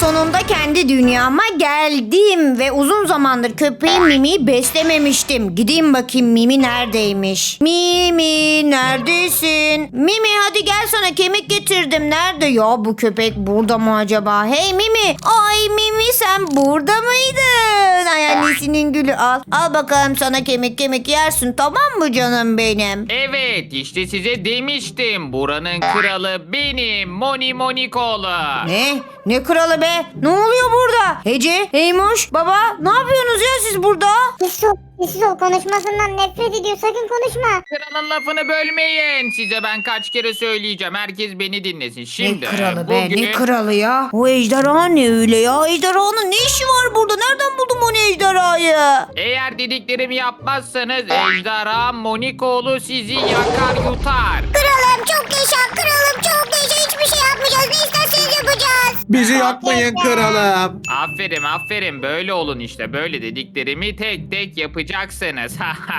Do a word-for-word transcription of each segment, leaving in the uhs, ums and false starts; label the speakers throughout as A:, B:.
A: sonunda kendi dünyama geldim ve uzun zamandır köpeğim Mimi'yi beslememiştim. Gideyim bakayım Mimi neredeymiş? Mimi neredesin? Mimi hadi gel, sana kemik getirdim. Nerede ya bu köpek? Burada mı acaba? Hey Mimi. Ay Mimi, sen burada mıydın? Ay annesinin gülü, al. Al bakalım sana kemik kemik yersin, tamam mı canım benim?
B: Evet, işte size demiştim. Buranın kralı benim. Moni Monikoğlu.
A: Ne? Ne kralı be? Ne oluyor burada? Hece, Eymoş, baba, ne yapıyorsunuz ya siz burada?
C: Sessiz ol, sessiz ol. Konuşmasından nefret ediyor. Sakın konuşma.
B: Kralın lafını bölmeyin. Size ben kaç kere söyleyeceğim. Herkes beni dinlesin. Şimdi
A: Ne kralı be?
B: bugün...
A: Ne kralı ya? O ejderha ne öyle ya? Ejderhanın ne işi var burada? Nereden buldun o ejderhayı?
B: Eğer dediklerimi yapmazsanız ejderha Monikoğlu sizi yakar yutar.
C: Kralım çok yaşa. Kralım çok yaşa. Hiçbir şey yapmayacağız. Ne isterseniz yapacağız.
D: Bizi yakmayın kralım.
B: Aferin aferin, böyle olun işte. Böyle dediklerimi tek tek yapacaksınız.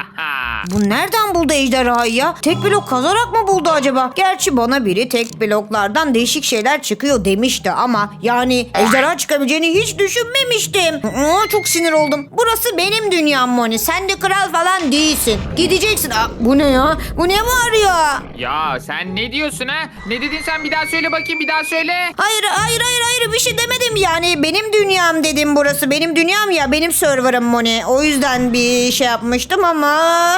A: Bu nereden buldu ejderhayı ya? Tek blok kazarak mı buldu acaba? Gerçi bana biri tek bloklardan değişik şeyler çıkıyor demişti ama yani ejderha çıkabileceğini hiç düşünmemiştim. Aa, çok sinir oldum. Burası benim dünyam Moni. Sen de kral falan değilsin. Gideceksin. Aa, bu ne ya? Bu ne var ya?
B: Ya sen ne diyorsun ha? Ne dedin sen, bir daha söyle bakayım, bir daha söyle.
A: Hayır hayır hayır hayır bir şey demedim yani. Benim dünyam dedim, burası benim dünyam ya. Benim serverım Moni. O yüzden bir şey yapmıştım ama...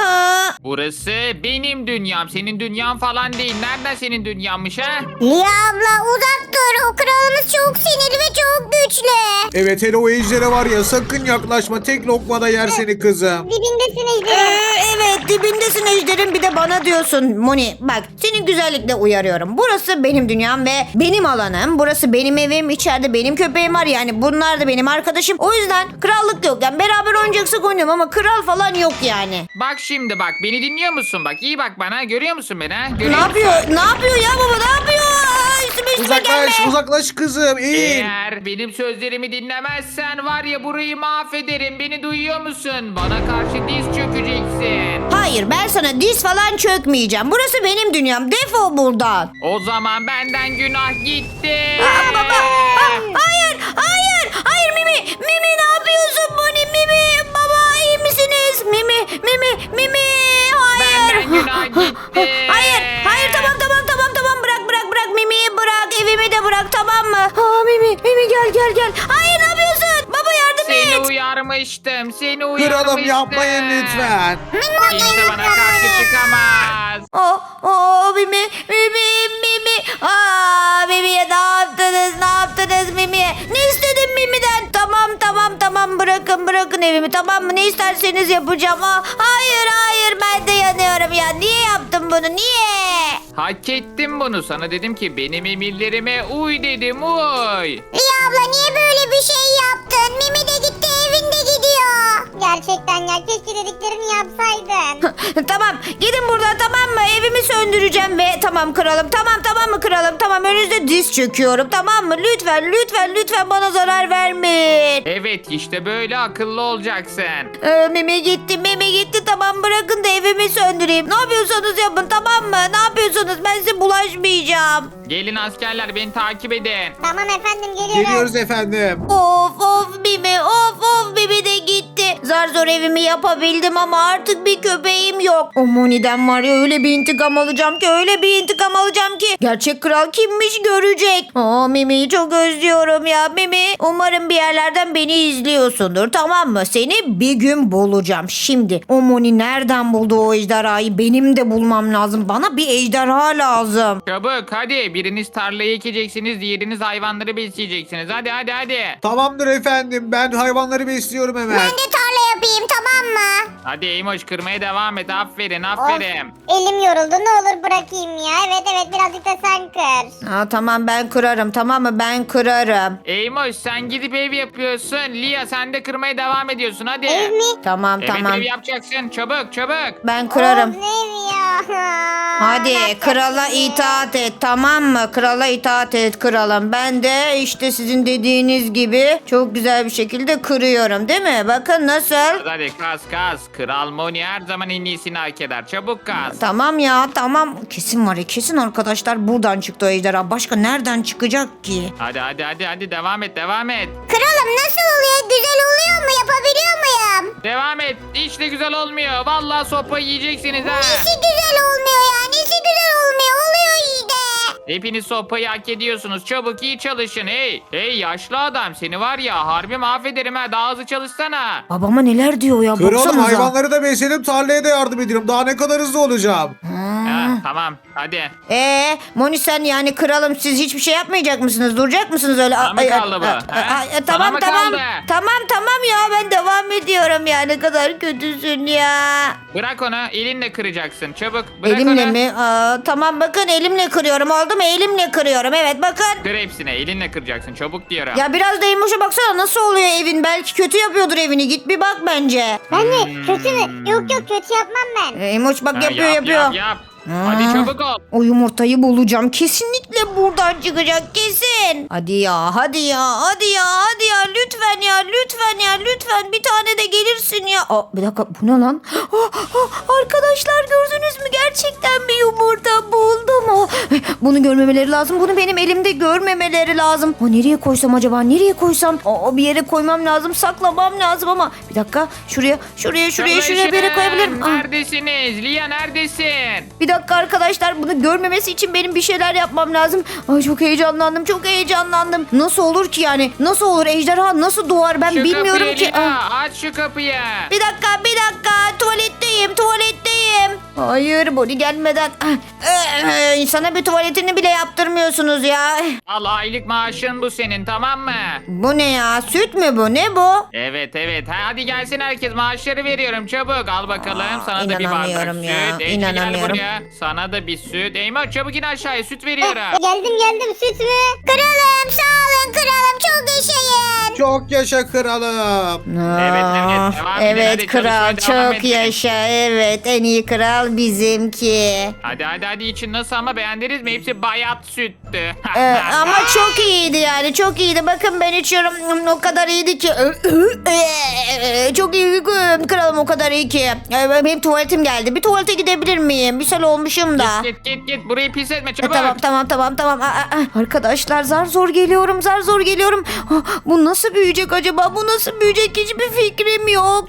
B: Burası benim dünyam. Senin dünyan falan değil. Nereden senin dünyanmış ha?
C: Lia abla uzak dur. O kralımız çok sinirli ve çok güçlü.
D: Evet hele o ejdere var ya, sakın yaklaşma. Tek lokmada yer seni kızım.
C: Dibindesin
A: Ee,
C: ejderim.
A: evet dibindesin ejderim, bir de bana diyorsun Moni. Bak seni güzellikle uyarıyorum. Burası benim dünyam ve benim alanım. Burası benim evim. İçeride benim köpeğim var, yani bunlar da benim arkadaşım. O yüzden krallık yok. Yani beraber oynayacaksak oynayalım ama kral falan yok yani.
B: Bak şimdi bak, beni dinliyor musun? Bak iyi bak bana, görüyor musun beni ha?
A: Ne
B: Görüyor musun?
A: yapıyor? Ne yapıyor ya baba? Ne yapıyor? Aa, üstüme üstüme gelme.
D: Uzaklaş uzaklaş kızım. İn.
B: Eğer benim sözlerimi dinlemezsen var ya, burayı mahvederim. Beni duyuyor musun? Bana karşı diz çökeceksin.
A: Hayır, ben sana diz falan çökmeyeceğim. Burası benim dünyam. Defol buradan.
B: O zaman benden günah gitti.
A: Aa, baba. Aa, hayır, hayır, hayır Mimi. Mimi ne yapıyorsun Moni? Mimi, baba iyi misiniz? Mimi, Mimi, Mimi. Hayır.
B: Benden günah gitti.
A: Hayır, hayır tamam tamam tamam tamam bırak bırak bırak Mimi'yi bırak, evimi de bırak, tamam mı? Aa Mimi, Mimi gel gel gel. Hayır ne yapıyorsun? Baba yardım
B: Seni
A: et.
B: uyarmıştım. Seni uyarmıştım.
D: Kralım yapmayın lütfen.
B: Kimse bana karşı çıkamaz.
A: Oh, oh Mimi, Mimi, Mimi. Aa Mimi'ye ne yaptınız? Ne yaptınız Mimi'ye? Ne istedin Mimi'den? Tamam tamam tamam bırakın bırakın evimi, tamam mı? Ne isterseniz yapacağım. Aa, hayır hayır ben de yanıyorum ya. Niye yaptın bunu? Niye?
B: Hak ettim bunu. Sana dedim ki benim emirlerime uy dedim, uy.
C: Lia abla niye böyle bir şey yaptın? Mimi de gitti, evin de gidiyor. Gerçekten ya, keşke dediklerini yapsaydın.
A: Tamam gidin buradan, tamam mı? Evimi söndüreceğim ve tamam kralım, tamam tamam mı kralım, tamam önünüzde diz çöküyorum, tamam mı? Lütfen lütfen lütfen bana zarar vermeyin.
B: Evet işte böyle akıllı olacaksın.
A: Ee, Mimi gitti Mimi gitti, tamam bırakın da evimi söndüreyim. Ne yapıyorsanız yapın, tamam mı? Ne yapıyorsanız, ben size bulaşmayacağım.
B: Gelin askerler, beni takip edin.
C: Tamam efendim, geliyorum.
D: Geliyoruz efendim.
A: Of of Mimi, of of Mimi de gitti. Zar zor evimi yapabildim ama artık bir köpeğim yok. O Moni'den var ya, öyle bir intikam alacağım ki, öyle bir intikam alacağım ki. Gerçek kral kimmiş görecek. Aa Mimi'yi çok özlüyorum ya Mimi. Umarım bir yerlerden beni izliyorsundur, tamam mı? Seni bir gün bulacağım. Şimdi o Moni nereden buldu o ejderhayı? Benim de bulmam lazım. Bana bir ejderha lazım.
B: Çabuk hadi, biriniz tarlayı ekeceksiniz, diğeriniz hayvanları besleyeceksiniz. Hadi hadi hadi.
D: Tamamdır efendim, ben hayvanları besliyorum hemen.
C: Ben de tarla yapayım, tamam mı?
B: Hadi Eymoş, kırmaya devam et. Aferin aferin.
C: Of, elim yoruldu, ne olur bırakayım ya. Evet evet, birazcık da sen kır.
A: Aa, tamam ben kırarım, tamam mı? Ben kırarım.
B: Eymoş sen gidip ev yapıyorsun. Lia sen de kırmaya devam ediyorsun, hadi.
C: Ev mi?
A: Tamam
B: Evet
A: tamam.
B: ev yapacaksın, çabuk çabuk.
A: Ben kırarım.
C: Of, ne evi ya?
A: Hadi
C: Bak
A: krala
C: bakayım.
A: itaat et, tamam mı? Krala itaat et kralım. Ben de işte sizin dediğiniz gibi çok güzel bir şekilde kırıyorum, değil mi? Bakın nasıl nasıl?
B: Hadi kas kas. Kral Moni her zaman en iyisini hak eder. Çabuk kas.
A: Tamam ya tamam. Kesin var ya kesin arkadaşlar buradan çıktı o ejderha. Başka nereden çıkacak ki?
B: Hadi hadi hadi hadi devam et devam et.
C: Kralım nasıl oluyor? Güzel oluyor mu? Yapabiliyor muyum?
B: Devam et. Hiç de güzel olmuyor. Vallahi sopayı yiyeceksiniz ha.
C: Nesi güzel olmuyor ya? Nesi güzel olmuyor? Oluyor işte.
B: Hepiniz sopayı hak ediyorsunuz. Çabuk iyi çalışın. Hey hey yaşlı adam seni var ya harbi mahvederim ha. Daha hızlı çalışsana.
A: Babama neler diyor ya
D: Kralım
A: baksanıza.
D: hayvanları da besledim, tarlaya da yardım ediyorum. Daha ne kadar hızlı olacağım?
B: Ha, tamam hadi.
A: Eee Moni sen yani kralım siz hiçbir şey yapmayacak mısınız? Duracak mısınız öyle?
B: Bana mı
A: Ay, ay,
B: kaldı bu?
A: ay,
B: Ha?
A: ay, ay,
B: Sana
A: Tamam
B: mı
A: tamam.
B: kaldı?
A: Tamam tamam ya ben devam ediyorum ya. Ne kadar kötüsün ya.
B: Bırak onu elinle kıracaksın. Çabuk bırak
A: Elimle
B: onu.
A: mi? Aa, tamam bakın elimle kırıyorum. Oldu mu? Elimle kırıyorum. Evet bakın.
B: Kır hepsine elinle kıracaksın. Çabuk diyorum.
A: Ya biraz da Emoş'a baksana nasıl oluyor evin. Belki kötü yapıyordur evini. Git bir bak bence.
C: Ben de kötü mü? Yok yok kötü yapmam ben.
A: Ee, Emoş bak
B: Ha,
A: yapıyor
B: yap,
A: yapıyor.
B: Yap, yap.
A: Ha.
B: Hadi çabuk ol.
A: O yumurtayı bulacağım. Kesinlikle buradan çıkacak kesin. Hadi ya hadi ya hadi ya hadi ya lütfen ya lütfen ya lütfen bir tane de gelirsin ya. Aa, bir dakika bu ne lan? Aa, aa, arkadaşlar gördünüz mü? Gerçekten bir yumurta buldum. Aa, bunu görmemeleri lazım. Bunu benim elimde görmemeleri lazım. Aa, nereye koysam acaba? Nereye koysam? Aa, bir yere koymam lazım. Saklamam lazım ama. Bir dakika şuraya şuraya şuraya şuraya bir yere koyabilirim. Aa.
B: Neredesiniz? Lia neredesin?
A: Bir dakika arkadaşlar bunu görmemesi için benim bir şeyler yapmam lazım. Ay çok heyecanlandım çok heyecanlandım. Nasıl olur ki yani? Nasıl olur ejderha nasıl doğar ben
B: Şu
A: bilmiyorum
B: kapıyı
A: ki.
B: Lia,
A: Ah.
B: aç şu kapıyı.
A: Bir dakika bir dakika tuvaletteyim tuvaletteyim. Hayır Bonnie gelmeden. Ah, ee, İnsana bir tuvaletini bile yaptırmıyorsunuz ya.
B: Al aylık maaşın bu senin tamam mı?
A: Bu ne ya süt mü bu ne bu?
B: Evet evet. Ha, hadi gelsin herkes maaşları veriyorum çabuk. Al bakalım
A: Aa,
B: sana da bir bardak
A: inanamıyorum ya,
B: süt. Ece gel
A: inanamıyorum.
B: buraya. Sana da bir süt. Eyvah çabuk in aşağıya süt veriyorum.
C: Geldim geldim süt mü? Kralım sağ olun kralım çok yaşayın.
D: Çok yaşa kralım.
B: Evet, evet.
A: Aa,
B: Devam edin,
A: evet
B: hadi
A: kral
B: çalışmaya devam
A: çok
B: edin.
A: yaşa evet en iyi kral bizimki.
B: Hadi hadi hadi için nasıl ama beğendiniz mi? Hepsi bayat süttü.
A: Ee, ama çok iyiydi yani çok iyiydi. Bakın ben içiyorum o kadar iyiydi ki. Çok iyi kralım o kadar iyi ki. Ee, Benim tuvaletim geldi. Bir tuvalete gidebilir miyim? Bir sel olmuşum da.
B: Git git git burayı pis etme
A: E,
B: çabuk.
A: tamam tamam tamam tamam. Aa, aa, arkadaşlar zar zor geliyorum zar zor geliyorum. Ah, bu nasıl büyüyecek acaba? Bu nasıl büyüyecek? Hiçbir fikrim yok.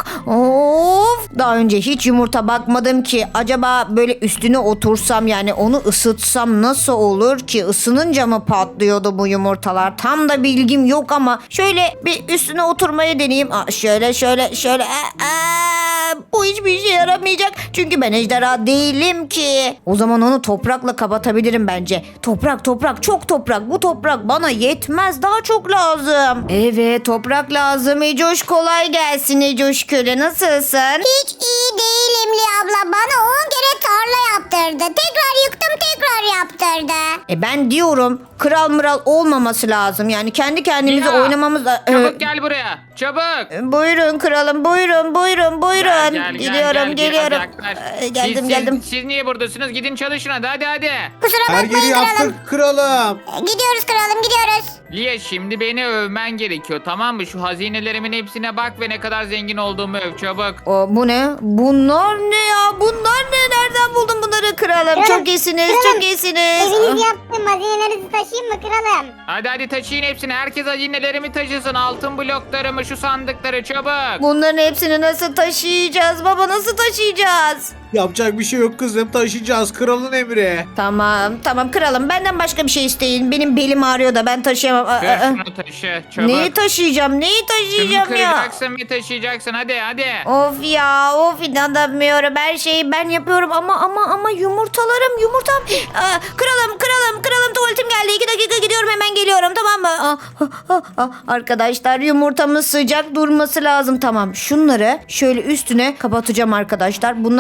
A: Of. Daha önce hiç yumurta bakmadım ki. Acaba böyle üstüne otursam yani onu ısıtsam nasıl olur ki? Isınınca mı patlıyordu bu yumurtalar? Tam da bilgim yok ama şöyle bir üstüne oturmayı deneyeyim. Aa, şöyle şöyle şöyle. Aa, aa, bu hiçbir işe yaramayacak. Çünkü ben ejderha değilim ki. O zaman onu toprakla kapatabilirim bence. Toprak toprak çok toprak. Bu toprak bana yetmez. Daha çok lazım. Evet toprak lazım. Ecoş kolay gelsin Ecoş köle. Nasılsın?
C: Hiç iyi değilim Li abla bana on kere tarla yaptırdı. Tekrar yıktım tekrar yaptırdı.
A: E ben diyorum kral mıral olmaması lazım. Yani kendi kendimize
B: Ya,
A: oynamamız lazım.
B: Çabuk gel buraya. Çabuk.
A: Buyurun kralım buyurun buyurun buyurun.
B: Gel, gel, gel,
A: Geliyorum
B: gel,
A: geliyorum.
B: gel, gel.
A: Ee, Geldim
B: siz,
A: geldim.
B: Siz, siz niye buradasınız? Gidin çalışın hadi hadi hadi.
C: Kusura
D: Her
C: bakmayın
D: yeri
C: kralım.
D: yaptık kralım.
C: Gidiyoruz kralım gidiyoruz.
B: Lia şimdi beni övmen gerekiyor tamam mı? Şu hazinelerimin hepsine bak ve ne kadar zengin olduğumu öv çabuk.
A: O, bu ne? Bunlar ne ya? Bunlar ne? Nereden buldun bunları kralım?
C: Kralım,
A: Çok iyisiniz,
C: kralım,
A: çok iyisiniz.
C: Eviniz yaptım hazinelerinizi taşıyayım mı kralım?
B: Hadi hadi taşıyın hepsini. Herkes hazinelerimi taşısın. Altın bloklarımı, şu sandıkları çabuk.
A: Bunların hepsini nasıl taşıyacağız? Baba nasıl taşıyacağız?
D: Yapacak bir şey yok kızım, taşıyacağız, kralın emri.
A: Tamam, tamam kralım. Benden başka bir şey isteyin. Benim belim ağrıyor da ben taşıyamam. Aa,
B: Ver
A: aa.
B: şunu taşı çabuk.
A: Neyi taşıyacağım? Neyi
B: Şunu
A: taşıyacağım ya?
B: kıracaksın ve taşıyacaksın hadi hadi.
A: Of ya, of inanamıyorum. Her şeyi ben yapıyorum ama ama ama yumurtalarım, yumurtam. Aa, kralım, kralım, kralım tuvaletim geldi. İki dakika gidiyorum hemen geliyorum tamam mı? Aa, ah, ah, ah. Arkadaşlar yumurtamız sıcak durması lazım. Tamam şunları şöyle üstüne kapatacağım arkadaşlar. Bunlar böyle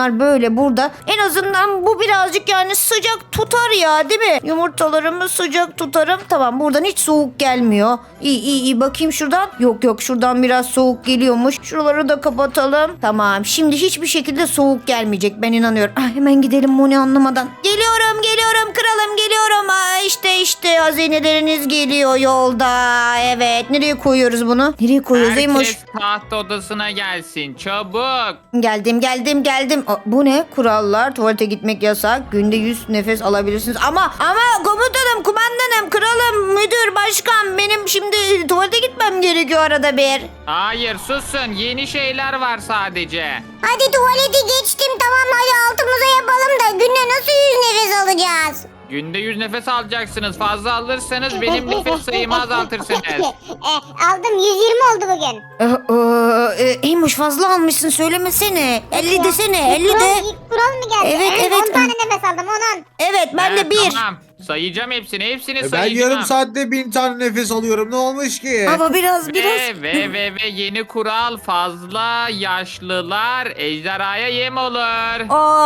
A: böyle burada. En azından bu birazcık yani sıcak tutar ya, değil mi? Yumurtalarımı sıcak tutarım. Tamam, buradan hiç soğuk gelmiyor. İyi iyi iyi, bakayım şuradan. Yok yok, şuradan biraz soğuk geliyormuş. Şuraları da kapatalım. Tamam, şimdi hiçbir şekilde soğuk gelmeyecek, ben inanıyorum. Ah, hemen gidelim Moni anlamadan. Geliyorum geliyorum kralım, geliyorum. Aa, işte işte hazineleriniz geliyor yolda. Evet, nereye koyuyoruz bunu? Nereye koyuyoruz Eymoş?
B: Herkes taht odasına gelsin çabuk.
A: Geldim geldim geldim. Aa, bu ne? Kurallar. Tuvalete gitmek yasak. Günde yüz nefes alabilirsiniz. Ama ama komutanım, kumandanım, kralım, müdür, başkan, benim şimdi tuvalete gitmem gerekiyor arada bir.
B: Hayır susun, yeni şeyler var sadece.
C: Hadi tuvaleti geçtim, tamam, hadi altımıza yapalım da günde nasıl yüz nefes alacağız?
B: Günde yüz nefes alacaksınız. Fazla alırsanız benim nefes sayımı azaltırsınız.
C: e, aldım, yüz yirmi oldu bugün.
A: Ee, e, e, Eymoş, fazla almışsın, söylemesene. elli desene, elli
C: Kural,
A: de.
C: ilk kural mı geldi?
A: Evet, evet.
C: on tane nefes aldım, on on.
A: Evet, ben de
B: Evet,
A: bir.
B: Tamam. Sayacağım hepsini. Hepsini
D: E ben
B: sayacağım.
D: yarım saatte bin tane nefes alıyorum. Ne olmuş ki?
A: Ama biraz biraz.
B: Ve, ve ve ve yeni kural, fazla yaşlılar ejderhaya yem olur.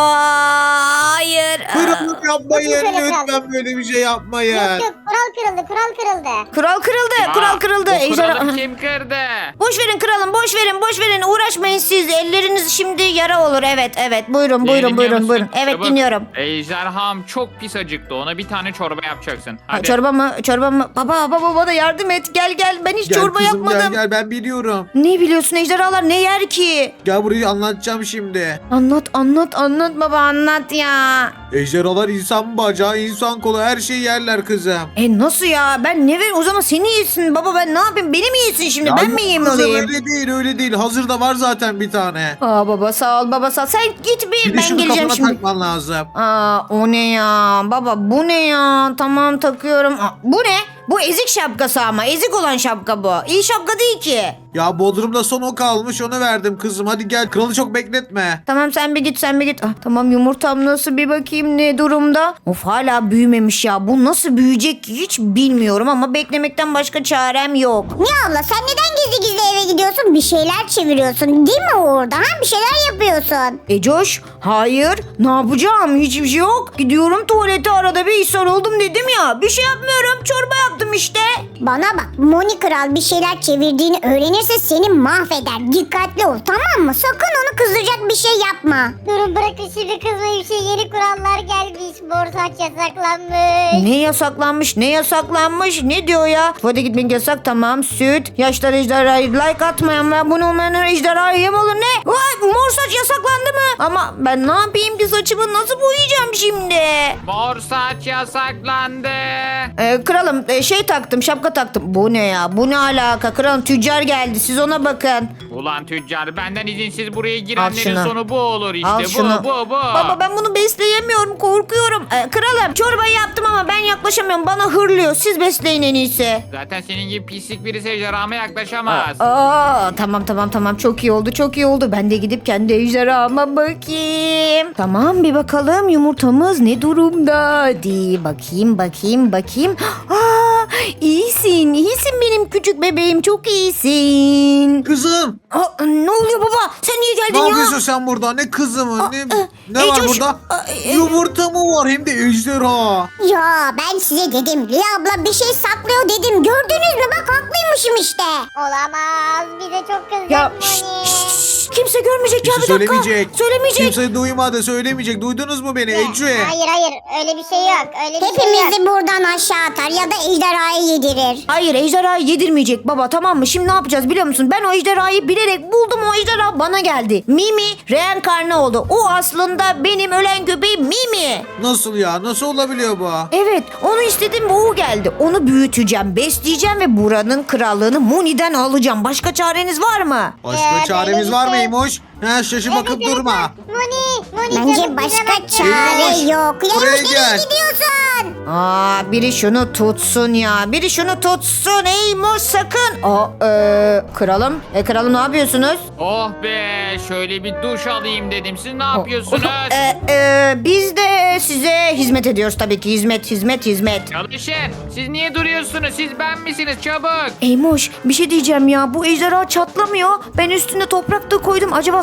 A: Aa, hayır.
D: Kırılık yapmayın.
C: Bakın şöyle
D: Lütfen böyle bir şey yapmayın.
C: Yok yok, kural kırıldı, kural kırıldı.
A: Kural kırıldı,
B: Aa,
A: kural kırıldı.
B: Bu
A: Ejderha...
B: kuralı kim kırdı?
A: Boş verin kralım, boş verin, boş verin. Uğraşmayın siz. Elleriniz şimdi yara olur. Evet, evet. Buyurun,
B: Beni
A: buyurun,
B: dinliyor
A: buyurun,
B: musun?
A: buyurun. Evet,
B: Çabuk.
A: dinliyorum.
B: Ejderham çok pis acıktı. Ona bir tane çorba yapacaksın.
A: Ha,
B: Hadi.
A: çorba mı? Çorba mı? Baba, baba bana yardım et. Gel gel. Ben hiç
D: Gel
A: çorba
D: kızım,
A: yapmadım.
D: gel gel, ben biliyorum.
A: Ne biliyorsun, ejderhalar ne yer ki?
D: Gel burayı anlatacağım şimdi.
A: Anlat, anlat, anlat baba, anlat ya.
D: Ejderhalar insan bacağı, insan kolu, her şeyi yerler kızım.
A: E nasıl ya? Ben ne ver? O zaman seni yesin baba, ben ne yapayım? Beni mi yesin şimdi?
D: Ya
A: ben
D: yok
A: mi yiyeyim
D: kızım,
A: olayım?
D: öyle değil öyle değil. Hazırda var zaten bir tane.
A: Aa baba, sağ ol baba, sağ ol. Sen git bir,
D: Bir de
A: ben
D: şunu
A: geleceğim
D: kafana
A: şimdi.
D: takman lazım.
A: Aa, o ne ya? Baba bu ne ya? Tamam, takıyorum. Aa, bu ne? Bu ezik şapkası ama. Ezik olan şapka bu. İyi şapka değil ki.
D: Ya Bodrum'da son o kalmış, onu verdim kızım. Hadi gel, kralı çok bekletme.
A: Tamam, sen bir git, sen bir git. Ah, tamam, yumurtam nasıl, bir bakayım ne durumda. Of, hala büyümemiş ya. Bu nasıl büyüyecek hiç bilmiyorum ama beklemekten başka çarem yok.
C: Niye abla, sen neden gizli gizli eve gidiyorsun? Bir şeyler çeviriyorsun değil mi orada? Ha? Bir şeyler yapıyorsun.
A: E Coş, hayır, ne yapacağım, hiçbir şey yok. Gidiyorum tuvalete, arada bir ishal oldum dedim ya. Bir şey yapmıyorum, çorba yaptım işte.
C: Bana bak, Moni Kral bir şeyler çevirdiğini öğrenirse seni mahveder. Dikkatli ol, tamam mı? Sakın onu kızdıracak bir şey yapma. Durun, bırakın şimdi kızmayı, bir şey, yeni kurallar gelmiş. Borsaç yasaklanmış.
A: Ne yasaklanmış, ne yasaklanmış, ne diyor ya? Tuvalete gitmek yasak, tamam. Süt, yaşlar ejderhayı, like atmayan ve abone olmayanlar ejderhaya yem olur, ne? Vay, mor saç yasaklandı mı? Ama ben ne yapayım ki, saçımı nasıl boyayacağım şimdi?
B: Mor saç yasaklandı.
A: Ee, kralım, e, şey taktım, şapka taktım. Bu ne ya, bu ne alaka? Kralım, tüccar geldi, siz ona bakın.
B: Ulan tüccar, benden izinsiz buraya
A: Al
B: girenlerin
A: şunu.
B: sonu bu olur işte.
A: Al
B: bu
A: şunu.
B: bu bu.
A: Baba, ben bunu besleyemiyorum, korkuyorum. Ee, kralım, çorbayı yaptım ama ben yaklaşamıyorum, bana hırlıyor. Siz besleyin en iyisi.
B: Zaten senin gibi pislik birisi ejderhama yaklaşamaz.
A: Aa, tamam tamam tamam, çok iyi oldu, çok iyi oldu. Ben de gidip kendi ejderhama bakayım. Tamam, bir bakalım yumurtamız ne durumda. Hadi bakayım bakayım bakayım. Aa, iyisin iyisin benim küçük bebeğim, çok iyisin.
D: Kızım,
A: Aa, ne oluyor baba, sen niye geldin
D: ne
A: ya?
D: yapıyorsun sen burada? Ne kızı mı? Ne,
A: e,
D: ne
A: e,
D: var
A: coş-
D: burada?
A: a, e,
D: Yumurta mı var, hem de ejderha.
C: Ya ben size dedim, Lia abla bir şey saklıyor dedim. Gördünüz mü? Bak, haklıymışım işte. Olamaz, bize çok kızacak
A: Ya şşt, şşt, şşt, kimse görmeyecek ya,
D: Kimse
A: bir dakika.
D: söylemeyecek.
A: Söylemeyecek.
D: Kimse duymadı, söylemeyecek. Duydunuz mu beni Ece?
C: Hayır hayır, öyle bir şey yok. Öyle bir Hepimizi şey yok. buradan aşağı atar ya da ejderhayı yedirir.
A: Hayır, ejderhayı yedirmeyecek baba, tamam mı? Şimdi ne yapacağız biliyor musun? Ben o ejderhayı bilerek buldum, o ejderha bana geldi. Mimi reenkarne oldu. O aslında benim ölen köpeğim Mimi.
D: Nasıl ya? Nasıl olabiliyor bu?
A: Evet, onu istedim ve o geldi. Onu büyüteceğim, besleyeceğim ve buranın krallığını Moni'den alacağım. Başka çareniz var mı?
D: Başka
C: Ee,
D: çaremiz
C: böyle
D: var
C: bir şey-
D: mıymış? Ha, şaşı bakıp durma.
C: Moni, Moni Bence başka çare
D: Yavaş,
C: yok.
D: buraya
C: Yavaş,
D: gel.
C: nereye gidiyorsun?
A: Aa, biri şunu tutsun ya. Biri şunu tutsun. Ey mor, sakın. Aa, e, kralım. E, kralım, ne yapıyorsunuz?
B: Oh be, şöyle bir duş alayım dedim. Siz ne yapıyorsunuz?
A: E, e, biz de size hizmet ediyoruz tabii ki. Hizmet, hizmet, hizmet.
B: Çalışın. Siz niye duruyorsunuz? Siz ben misiniz? Çabuk.
A: Eymoş, bir şey diyeceğim ya. Bu ejderha çatlamıyor. Ben üstüne toprak da koydum. Acaba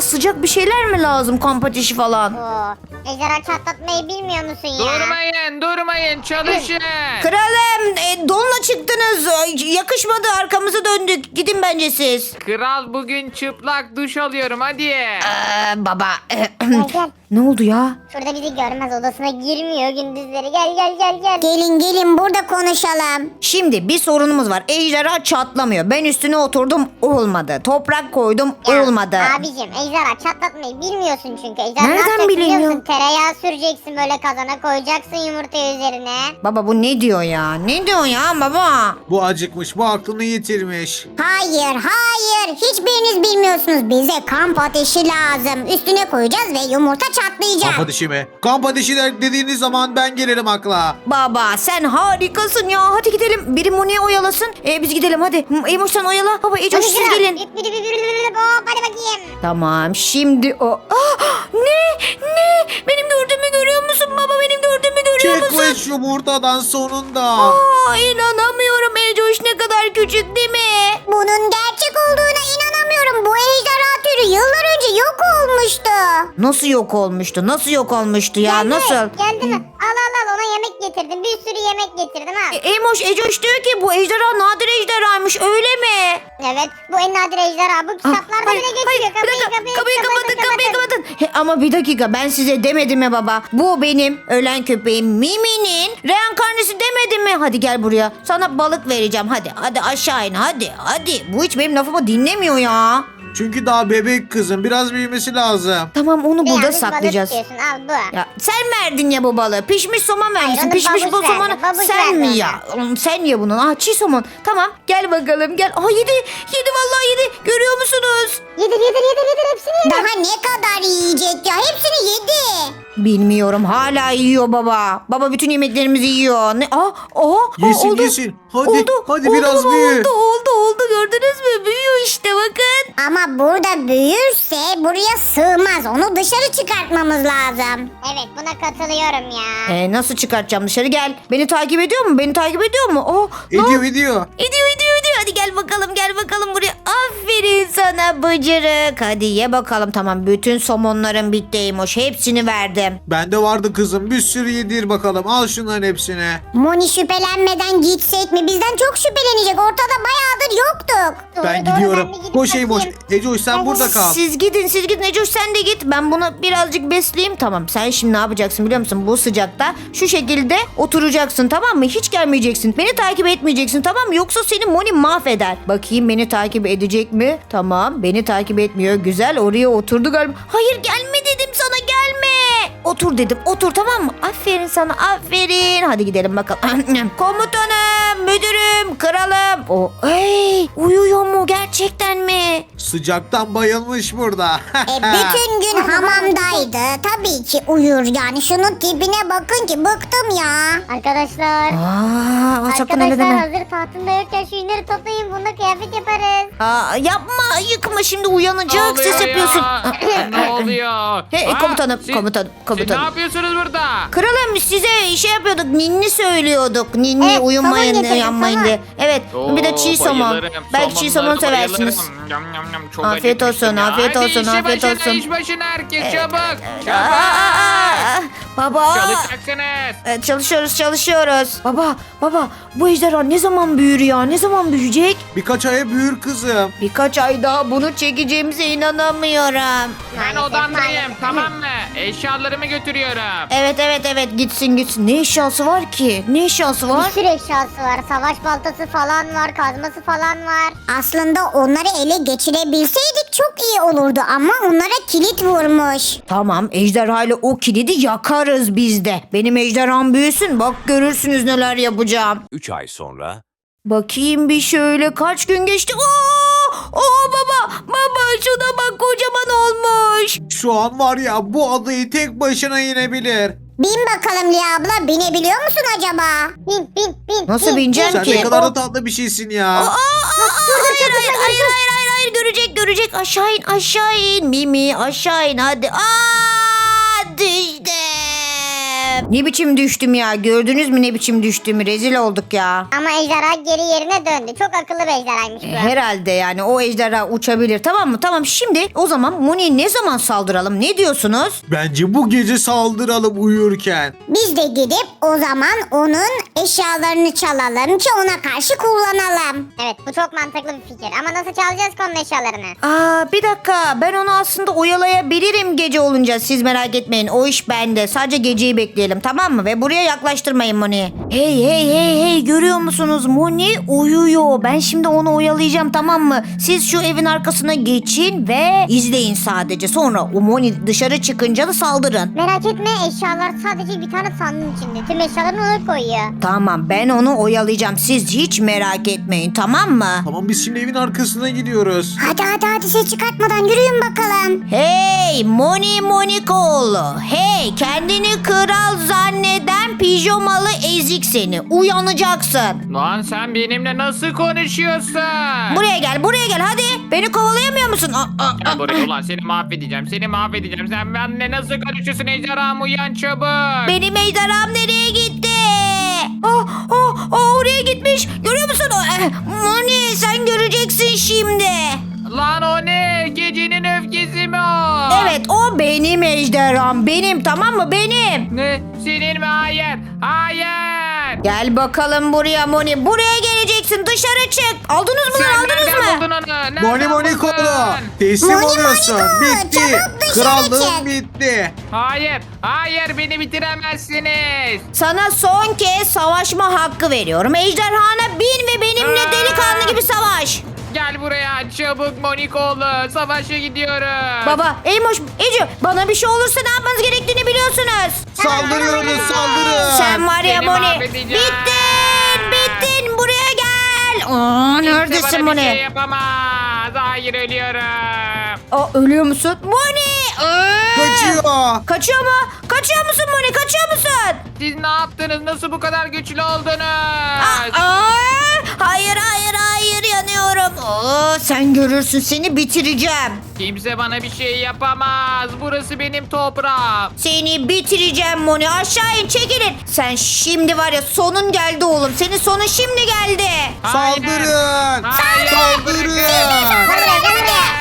A: sıcak bir şeyler mi lazım? Kamp ateşi falan.
C: Oo. Ejderha çatlatmayı bilmiyor musun ya?
B: Durmayın durmayın çalışın.
A: Kralım e, donla çıktınız. Ay, yakışmadı, arkamızı döndük. Gidin bence siz.
B: Kral bugün çıplak duş alıyorum hadi.
A: Ee, baba.
C: Gel gel.
A: Ne oldu ya?
C: Şurada bizi görmez, odasına girmiyor gündüzleri. Gel gel gel gel. Gelin gelin burada konuşalım.
A: Şimdi bir sorunumuz var. Ejderha çatlamıyor. Ben üstüne oturdum, olmadı. Toprak koydum,
C: Ya,
A: olmadı.
C: Abicim ejderha çatlatmayı bilmiyorsun çünkü. Ejderha
A: Nereden
C: ne yapacak
A: bileyim
C: biliyor
A: ya?
C: musun? Tereyağı süreceksin böyle kazana, koyacaksın yumurtayı üzerine.
A: Baba bu ne diyor ya? Ne diyor ya baba?
D: Bu acıkmış, bu aklını yitirmiş.
C: Hayır hayır, hiçbiriniz bilmiyorsunuz. Bize kamp ateşi lazım. Üstüne koyacağız ve yumurta çatlayacak.
D: Kamp ateşi mi? Kamp ateşi de- dediğiniz zaman ben gelirim akla.
A: Baba sen harikasın ya. Hadi gidelim. Biri Moni'ye oyalasın. E, biz gidelim hadi. Emoş sen oyala. Baba Ecoş siz
C: Hadi
A: gelin.
C: Biri biri biri biri hop hadi bakayım.
A: Tamam şimdi o. Ah, ne? Ne? Benim gördüğümü görüyor musun baba? Benim gördüğümü görüyor musun?
D: Çıkmış yumurtadan sonunda.
A: Aa, inanamıyorum. Ecoş ne kadar küçük değil mi?
C: Bunun gerçek olduğuna inanamıyorum. Bu ejderha türü yıllar önce yok olmuştu.
A: Nasıl yok olmuştu? Nasıl yok olmuştu ya?
C: Geldi,
A: Nasıl?
C: Geldi mi? Al al al, ona yemek getirdim. Bir sürü yemek getirdim ha.
A: E, Emoş Ecoş diyor ki bu ejderha nadir ejderhaymış öyle mi?
C: Evet, bu en nadir ejderha. Bu
A: Ah,
C: kitaplarda
A: hayır,
C: bile
A: hayır,
C: geçiyor.
A: bir
C: Kapıyı,
A: dakika,
C: kapıyı,
A: kapıyı kapatın, kapıyı
C: kapatın.
A: kapatın. He, ama bir dakika ben size demedim mi baba? Bu benim ölen köpeğim Mimi'nin reenkarnesi demedim mi? Hadi gel buraya. Sana balık vereceğim. Hadi hadi aşağı in hadi hadi. Bu hiç benim lafımı dinlemiyor ya.
D: Çünkü daha bebek kızım, biraz büyümesi lazım.
A: Tamam onu burada
C: Beyaz bir balık
A: saklayacağız.
C: istiyorsun, al bu.
A: Ya sen verdin ya bu balığı. Pişmiş somon vermişsin.
C: onu
A: Pişmiş bu
C: babuş
A: somonu
C: verdi, babuş
A: sen mi
C: verdi
A: ya? Oğlum sen ye bunu. Ah çiğ somon. Tamam gel bakalım gel. Aa yedi. Yedi vallahi yedi. Görüyor musunuz?
C: Yedir yedir yedir yedir hepsini yedir. Daha ne kadar yiyecek ya? Hepsini yedi.
A: Bilmiyorum hala yiyor baba. Baba bütün yemeklerimizi yiyor. Ne? Aa, aa,
D: Yesin,
A: oldu.
D: yesin. Hadi,
A: oldu.
D: hadi
A: oldu
D: biraz
A: baba,
D: büyü.
A: Oldu oldu oldu gördünüz mü? Büyüyor işte bakın.
C: Ama burada büyürse buraya sığmaz. Onu dışarı çıkartmamız lazım. Evet, buna katılıyorum ya.
A: Ee, nasıl çıkartacağım dışarı gel. Beni takip ediyor mu? Beni takip ediyor mu? Oh,
D: Ediyor, ediyor.
A: Ediyor ediyor ediyor. Hadi gel bakalım gel bakalım buraya. Aferin sana bıcırık. Hadi ye bakalım tamam. Bütün somonların bitti Eymoş. Hepsini verdim.
D: Bende vardı kızım, bir sürü yedir bakalım. Al şunların hepsini.
C: Moni şüphelenmeden gitsek mi? Bizden çok şüphelenecek. Ortada bayağıdır yoktuk.
D: Ben
C: Doğru,
D: gidiyorum.
C: ben bir gidip
D: Koş Eymoş.
C: bakayım.
D: Ecoş sen burada kal.
A: Siz gidin siz gidin Ecoş sen de git. Ben bunu birazcık besleyeyim tamam. Sen şimdi ne yapacaksın biliyor musun? Bu sıcakta şu şekilde oturacaksın tamam mı? Hiç gelmeyeceksin. Beni takip etmeyeceksin tamam mı? Yoksa seni Moni mahveder. Bakayım beni takip edecek mi? Tamam beni takip etmiyor. Güzel oraya oturdu galiba. Hayır gelme dedim sana gelme. Otur dedim otur tamam mı? Aferin sana aferin. Hadi gidelim bakalım. Komutanım, müdürüm, kralım. O, ey, uyuyor mu gerçekten mi?
D: Sıcaktan bayılmış burada.
C: E, bütün gün hamamdaydı. Tabii ki uyur yani. Şunun tipine bakın ki bıktım ya. Arkadaşlar.
A: Aa, sakın öyle
C: Arkadaşlar
A: deme.
C: hazır tahtında yokken şu yünleri toplayın. Bunda kıyafet yaparız.
A: Aa, yapma yıkma şimdi uyanacak
B: Ne
A: ses
B: oluyor
A: yapıyorsun.
B: ya? Ne oluyor?
A: Hey,
B: Aa,
A: komutanım,
B: siz-
A: komutanım,
B: Siz
A: komutanım.
B: ne yapıyorsunuz burada?
A: Kralım size şey yapıyorduk ninni söylüyorduk. Ninni
C: Evet,
A: uyumayın
C: somon getirdim,
A: uyanmayın
C: somon.
A: diye. Evet bir de çiğ
B: Oo,
A: somon.
B: bayılırım.
A: Belki çiğ somon
B: Somonlara
A: seversiniz.
B: bayılırım. Yam, yam, yam. Çok
A: Afiyet
B: acıkmıştım
A: olsun,
B: ya.
A: afiyet
B: Hadi
A: olsun,
B: işi
A: afiyet
B: başına,
A: olsun.
B: iş başına herkes
A: Evet,
B: çabuk.
A: Aa,
B: Çabuk.
A: aa, baba.
B: Çalışacaksınız.
A: Evet, çalışıyoruz çalışıyoruz. Baba baba bu ejderha ne zaman büyür ya? Ne zaman büyüyecek?
D: Birkaç aya büyür kızım.
A: Birkaç ay daha bunu çekeceğimize inanamıyorum.
B: Ben
C: Maalesef,
B: odamdayım
C: maalesef.
B: tamam mı? Eşyalarımı götürüyorum.
A: Evet evet evet gitsin gitsin. Ne eşyası var ki? Ne eşyası var?
C: Bir sürü eşyası var. Savaş baltası falan var. Kazması falan var. Aslında onları ele geçirebilseydik çok iyi olurdu. Ama onlara kilit vurmuş.
A: Tamam ejderhayla o kilidi yakarız biz de. Benim ejderham büyüsün bak görürsünüz neler yapacağım.
E: üç ay sonra
A: Bakayım bir şöyle kaç gün geçti. Oo, oo baba baba şuna bak kocaman olmuş.
D: Şu an var ya, bu adayı tek başına yenebilir.
C: Bin bakalım Lia abla. Binebiliyor musun acaba? Bin bin bin.
A: Nasıl bineceğim
D: Sen
A: ki?
D: ne kadar da tatlı bir şeysin ya.
A: Aa, aa, hayır, hayır, hayır, hayır, hayır, hayır, görecek, görecek. Aşağı in, aşağı in. Mimi, aşağı in, hadi. Aa, düştüm. Ne biçim düştüm ya? Gördünüz mü ne biçim düştüğümü? Rezil olduk ya.
C: Ama ejderha geri yerine döndü. Çok akıllı bir ejderhaymış bu.
A: Herhalde yani o ejderha uçabilir, tamam mı? Tamam, şimdi o zaman Moni'ye ne zaman saldıralım? Ne diyorsunuz?
D: Bence bu gece saldıralım uyurken.
C: Biz de gidip o zaman onun eşyalarını çalalım ki ona karşı kullanalım. Evet, bu çok mantıklı bir fikir. Ama nasıl çalacağız ki onun eşyalarını?
A: Aa, bir dakika, ben onu aslında oyalayabilirim gece olunca, siz merak etmeyin, o iş bende. Sadece geceyi bekleyelim, tamam mı? Ve buraya yaklaştırmayın Moni'yi. Hey hey hey hey, görüyor musunuz? Moni uyuyor. Ben şimdi onu oyalayacağım, tamam mı? Siz şu evin arkasına geçin ve izleyin sadece. Sonra o Moni dışarı çıkınca da saldırın.
C: Merak etme, eşyalar sadece bir tane sandığın içinde. Tüm eşyalarını ona koyuyor.
A: Tamam, ben onu oyalayacağım. Siz hiç merak etmeyin, tamam mı?
D: Tamam, biz şimdi evin arkasına gidiyoruz.
C: Hadi hadi hadi, ses çıkartmadan yürüyün bakalım.
A: Hey Moni Monikoğlu. Hey, kendini kral zanneden pijamalı ezik seni. Uyanacaksın.
B: Lan sen benimle nasıl konuşuyorsun?
A: Buraya gel, buraya gel hadi. Beni kovalayamıyor musun? Aa, aa,
B: Gel
A: aa,
B: buraya ulan, seni mahvedeceğim. Seni mahvedeceğim. Sen benimle nasıl konuşuyorsun ejderham? Uyan çabuk.
A: Benim ejderham nereye gitti? Oh, oh, oh, oraya gitmiş. Görüyor musun? Eh, Moni, sen göreceksin şimdi.
B: Lan o ne? Gecenin öfkesi mi o?
A: Evet, o benim ejderham. Benim, tamam mı? Benim.
B: Ne? Senin mi? Hayır. Hayır.
A: Gel bakalım buraya Moni. Buraya geleceksin. Dışarı çık. Aldınız mı lan?
B: Sen
A: Aldınız
B: nereden
A: mı?
B: buldun onu? Nereden
D: Moni
B: buldun?
D: Monikoğlu. Teslim
C: Moni
D: oluyorsun.
C: Moniko,
D: Bitti.
C: çabuk dışarı
D: Krallığın
C: çık.
D: bitti.
B: Hayır. Hayır, beni bitiremezsiniz.
A: Sana son kez savaşma hakkı veriyorum. Ejderhana bin ve benimle
B: Aa!
A: delikanlı gibi savaş.
B: Gel buraya çabuk Monikoğlu. Savaşa gidiyoruz.
A: Baba, Eymoş, Ece, bana bir şey olursa ne yapmanız gerektiğini biliyorsunuz.
D: Saldırıyoruz, saldırın.
A: Sen var ya
B: Seni
A: Moni.
B: mahvedeceğim.
A: Bittin, bittin. Buraya gel. Aa,
B: Kimse
A: neredesin
B: bana bir şey
A: Moni?
B: yapamaz. Hayır, ölüyorum.
A: Aa, ölüyor musun? Moni. Aa!
D: Kaçıyor.
A: Kaçıyor mu? Kaçıyor musun Moni? Kaçıyor musun?
B: Siz ne yaptınız? Nasıl bu kadar güçlü oldunuz?
A: Aa, aa! Hayır, hayır, hayır, yanıyorum. Aa, sen görürsün, seni bitireceğim.
B: Kimse bana bir şey yapamaz. Burası benim toprağım.
A: Seni bitireceğim Moni. Aşağı in, çekilin. Sen şimdi var ya, sonun geldi oğlum. Senin sonun şimdi geldi.
B: Hayır.
D: Saldırın.
B: Hayır,
D: Saldırın.
B: bırakın.
C: Buraya gel buraya.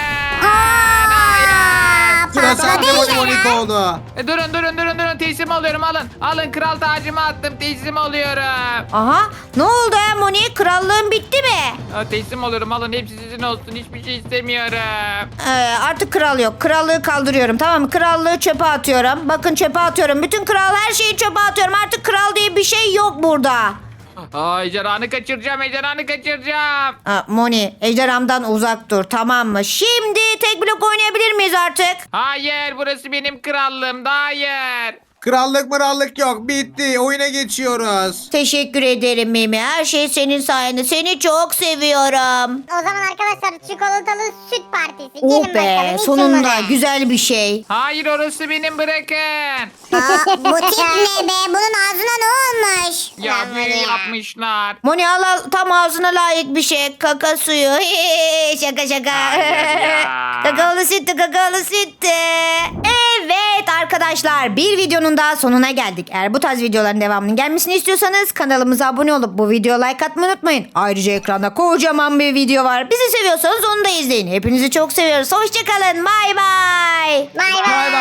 B: Hayır.
D: Sıra sende
C: Patladı
D: Moni
C: ya.
D: Monikoğlu.
B: E, Durun durun durun durun teslim oluyorum, alın. Alın, kral tacımı attım, teslim oluyorum.
A: Aha, ne oldu ya Moni? Krallığın bitti mi?
B: Ha, teslim oluyorum, alın, hepsi sizin olsun, hiçbir şey istemiyorum.
A: Ee, artık kral yok. Krallığı kaldırıyorum, tamam mı? Krallığı çöpe atıyorum. Bakın, çöpe atıyorum. Bütün kral, her şeyi çöpe atıyorum. Artık kral diye bir şey yok burada.
B: Aa, ejderhanı kaçıracağım, ejderhanı kaçıracağım.
A: Aa, Moni, ejderhamdan uzak dur, tamam mı? Şimdi tek blok oynayabilir miyiz artık?
B: Hayır, burası benim krallığım, da hayır.
D: Krallık mırallık yok. Bitti. Oyuna geçiyoruz.
A: Teşekkür ederim Mimi. Her şey senin sayende. Seni çok seviyorum.
C: O zaman arkadaşlar, çikolatalı süt partisi.
A: Oh
C: Gelin
A: be,
C: bakalım, için
A: sonunda
C: bunu.
A: güzel bir şey.
B: Hayır, orası benim, bırakın.
C: Aa, bu tip ne be? Bunun ağzına ne olmuş?
B: Ya
C: Lan
B: büyü
C: bunu ya.
B: yapmışlar.
A: Moni, al al, tam ağzına layık bir şey. Kaka suyu. şaka şaka.
B: Hayır ya.
A: Kakaolu sütü, kakaolu sütü. Evet arkadaşlar, bir videonun daha sonuna geldik. Eğer bu tarz videoların devamının gelmesini istiyorsanız kanalımıza abone olup bu videoya like atmayı unutmayın. Ayrıca ekranda kocaman bir video var. Bizi seviyorsanız onu da izleyin. Hepinizi çok seviyoruz. Hoşçakalın. Bay bay.
C: Bay
D: Bay
C: bay.